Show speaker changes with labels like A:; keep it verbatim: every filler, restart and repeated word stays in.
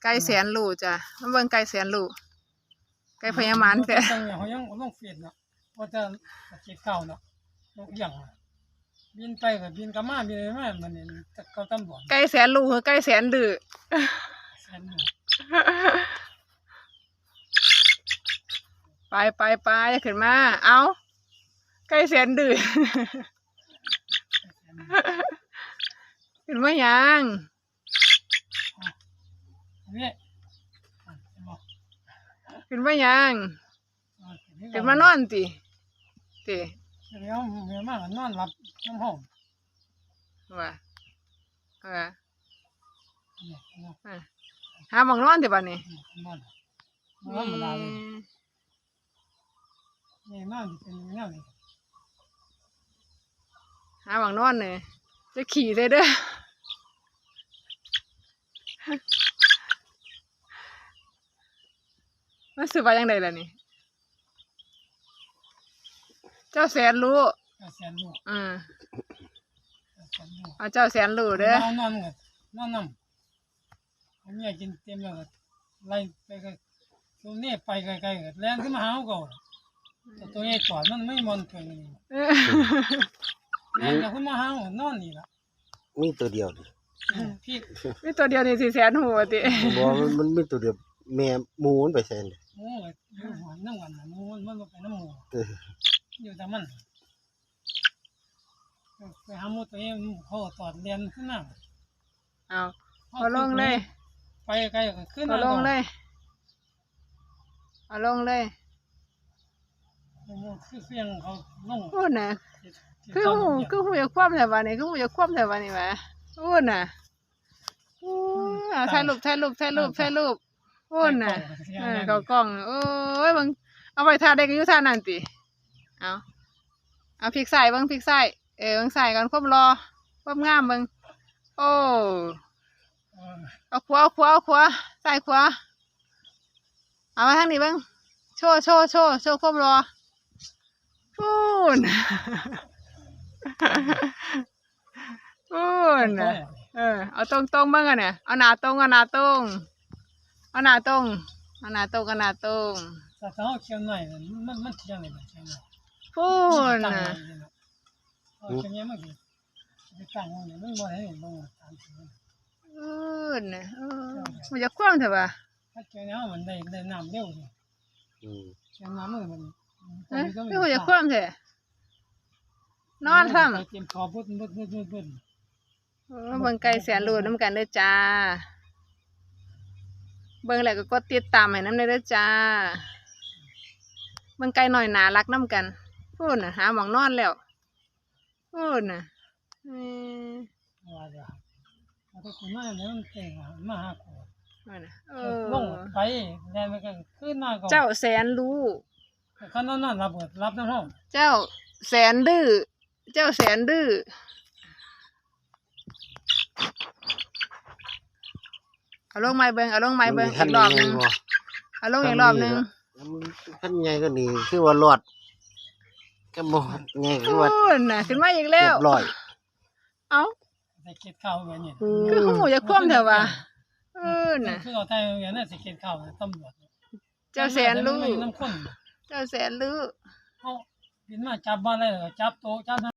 A: ไก่แสนลูจ้ะมาเบิ่งไก่แสนลูไก่พญามารแท้
B: เขายังลงเฟียดเนาะเพราะจะเก็บเก่าเนาะนกอย่างบินไปกับบินกลับมาบินมามันนี่เขาตำรวจ
A: ไก่แสนลูคือไก่แสนดื้อ
B: แสนลูก
A: ไปไปไปอย่าขึ้นมาเอาไก่แสนดื้อ ขึ้นมายัง
B: นี่
A: ขึ้นมายังขึ้นมานอนติติ
B: เดี๋ยวเดี๋ยวมานอนหลับน้ำห้อง
A: ว่าว่า
B: นี่นะ
A: หาหมองนอนติบัดนี้
B: นอนนอนมาได้เลยนี่มากเป็นเงี้ยเลย
A: หาหมองนอนเลยจะขี่เลยเด้อมันสืบว่ายังไงล่ะนี่เจ้าแสนรู้
B: แสนลูก
A: อืม
B: แสนลูก
A: เอาเจ้าแสนรู้เด้อน
B: อนนอนกันนอนน้ำอันนี้กินเต็มแล้วก็ไล่ไปกันตรงนี้ไปไกลๆกันแรงขึ้นมาหาเขาแต่ตัวนี้จอดมันไม่มันตัวนี้แรงขึ้นมาหานอนนี่ละ
C: มีตัวเดียวดิ
B: พี่
A: มีตัวเดียวนี่สี่แสนหัวติ
C: บอกว่ามันมันมีตัวเดียวแม่หมูมันไปแซนเลย
B: หมูอยู่หัวน้ำวันนะหมูมันไปน้ำหมู
C: เออ
B: อยู่แต่มันไปหาหมูตัวนี้เขาตอดเรียนขึ้นมา
A: เอาเอาลงเลย
B: ไปไกลก็ขึ้น
A: เอาลงเลยเอาลงเลย
B: คือเสียงเขาลง
A: พูดนะคือหูคือหูอยากคว่ำแต่วันนี้คือหูอยากคว่ำแต่วันนี้แหมพูดนะอู้เอาถ่ายรูปถ่ายรูปถ่ายรูปถ่ายรูปพูดนะเออเขากล้องโอ้ยมึงเอาไปท่าเด็กอายุท่านั่นติเอาเอาพลิกใส่เบิ่งพลิกใส่เออเบิ่งใส่กันควบรอควบงามเบิ่งโอ้เอาขวาเอาขวาเอาขวาใส่ขวาเอามาทางนี้เบิ่งโชว์โชว์โชว์โชว์ควบรอพูดพูดนะเออเอาตรงตรงเบิ่งกันเนี่ยเอาหน้าตรงเอาหน้าตรงเอาหน้าตรงเอาหน้าตรงเอาหน้าตรง
B: แต่ถ้าเขาเขียนหน่อยมันมันเขียนอะไรแบบเขียนหน่อย
A: พูดนะ
B: เขียนยังไม่เขียนไปตั้งมันมันบ่ให้ลงตามเขียน
A: พูดนะเออมันจะคว่ำเถอะป่ะ
B: ถ้าเขียนแล้วมันได้ได้น้ำเร็วสิ
C: อืม
B: เขียนน้ำมือมัน
A: เอ้ยไม่ควรจะคว่ำเถอะนอนทำ
B: เตรียมคอพุดพุดพุดพุดพุด
A: เออเบิ่งไก่แสนรูน้ำกันเด้อจ้าเบิ่งแล้วก็กดติดตามให้น้ำเด้อจ้าเบิ่งไก่หน่อยหนารักน้ำกันพูดน่ะหาหมองนอนแล้วพูดน่ะเออ
B: ว่าจะถ้าคุณมาเนี่ยมันเก่งมาหาขวด
A: พูดน่ะเอ
B: ลง
A: อ
B: ไปแรงไปกันขึ้นมาก่อน
A: เจ้าแสนรู้
B: ข้างนอกนั่นรับรับน้ำห้อง
A: เจ้าแสนดื้อเจ้าแสนดื้อเอาลงไม้เบิ่งเอาลงไม้เบิ่งอีกรอบหนึงเอาลงอีกรอบหนึง
C: ท่านใหญ่ก็นี่คือว่ารอดก็บ่ใหญ่คือว่า
A: พูดน่ะขึ้นมาอีก
C: เรี
A: แล้
C: ยว บร้อย
A: เอ้า
B: ใส่เกล็ดข้าวแบบนี้
A: คือหูจะคว่ำเถอะวะเออน่ะ
B: คือเราไทยอย่างนั้นใส่เกล็ดข้าวตำรวจ
A: เจ้าแสนรู้
B: น้ำข้น
A: เจ้าแสนรู้
B: เขาบินมาจับบ้านเลยจับโต๊ะจับ